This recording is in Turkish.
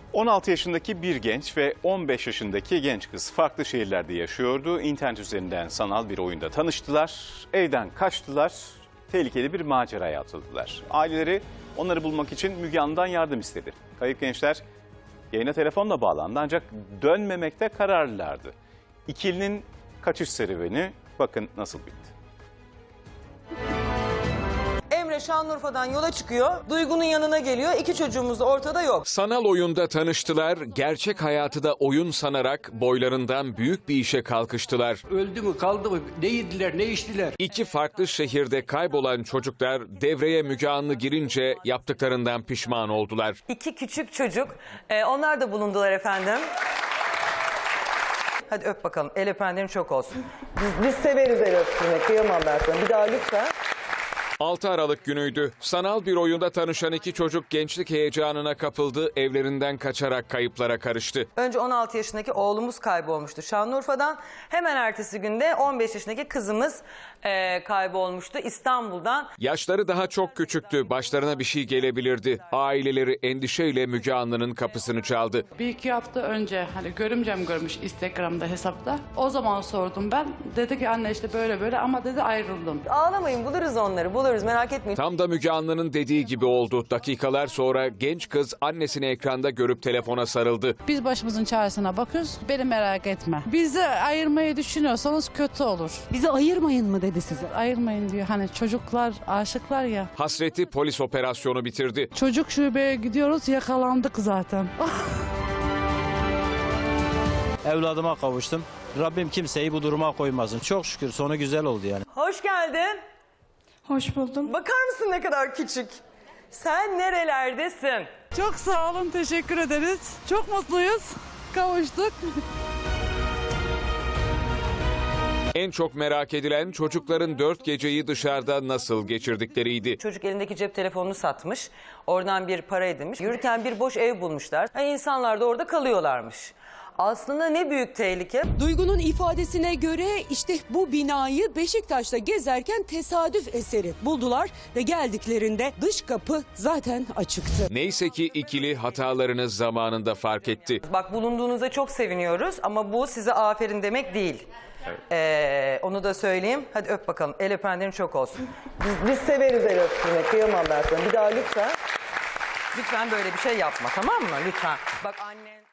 16 yaşındaki bir genç ve 15 yaşındaki genç kız farklı şehirlerde yaşıyordu. İnternet üzerinden sanal bir oyunda tanıştılar, evden kaçtılar, tehlikeli bir maceraya atıldılar. Aileleri onları bulmak için Müge Anlı'dan yardım istedi. Kayıp gençler yayına telefonla bağlandı ancak dönmemekte kararlılardı. İkilinin kaçış serüveni bakın nasıl bitti. Emre Şanlıurfa'dan yola çıkıyor. Duygu'nun yanına geliyor. İki çocuğumuz da ortada yok. Sanal oyunda tanıştılar, gerçek hayatı da oyun sanarak boylarından büyük bir işe kalkıştılar. Öldü mü kaldı mı ne yediler ne içtiler. İki farklı şehirde kaybolan çocuklar devreye Müge Anlı girince yaptıklarından pişman oldular. İki küçük çocuk. Onlar da bulundular efendim. Hadi öp bakalım. El öpenlerin çok olsun. Biz severiz el öptürmek. Kıyamam ben sana. Bir daha lütfen. 6 Aralık günüydü. Sanal bir oyunda tanışan iki çocuk gençlik heyecanına kapıldı, evlerinden kaçarak kayıplara karıştı. Önce 16 yaşındaki oğlumuz kaybolmuştu Şanlıurfa'dan. Hemen ertesi günde 15 yaşındaki kızımız kaybolmuştu İstanbul'dan. Yaşları daha çok küçüktü, başlarına bir şey gelebilirdi. Aileleri endişeyle Müge Anlı'nın kapısını çaldı. Bir iki hafta önce hani görümcem görmüş Instagram'da hesapta. O zaman sordum ben. Dedi ki anne işte böyle böyle ama dedi ayrıldım. Ağlamayın, buluruz onları, buluruz, merak etmeyin. Tam da Müge Anlı'nın dediği gibi oldu. Dakikalar sonra genç kız annesini ekranda görüp telefona sarıldı. Biz başımızın çaresine bakıyoruz. Beni merak etme. Bizi ayırmayı düşünüyorsanız kötü olur. Bizi ayırmayın mı dedi size? Ayırmayın diyor. Hani çocuklar aşıklar ya. Hasreti polis operasyonu bitirdi. Çocuk şubeye gidiyoruz yakalandık zaten. Evladıma kavuştum. Rabbim kimseyi bu duruma koymasın. Çok şükür sonu güzel oldu yani. Hoş geldin. Hoş buldum. Bakar mısın ne kadar küçük? Sen nerelerdesin? Çok sağ olun, teşekkür ederiz. Çok mutluyuz. Kavuştuk. En çok merak edilen çocukların 4 geceyi dışarıda nasıl geçirdikleriydi. Çocuk elindeki cep telefonunu satmış. Oradan bir para edinmiş. Yürürken bir boş ev bulmuşlar. Yani insanlar da orada kalıyorlarmış. Aslında ne büyük tehlike. Duygu'nun ifadesine göre işte bu binayı Beşiktaş'ta gezerken tesadüf eseri buldular ve geldiklerinde dış kapı zaten açıktı. Neyse ki ikili hatalarını zamanında fark etti. Bak bulunduğunuza çok seviniyoruz ama bu size aferin demek değil. Onu da söyleyeyim. Hadi öp bakalım. El öpenlerin çok olsun. Biz severiz el öptürmek. Kıyamam ben sana. Bir daha lütfen. Lütfen böyle bir şey yapma, tamam mı? Lütfen. Bak annen...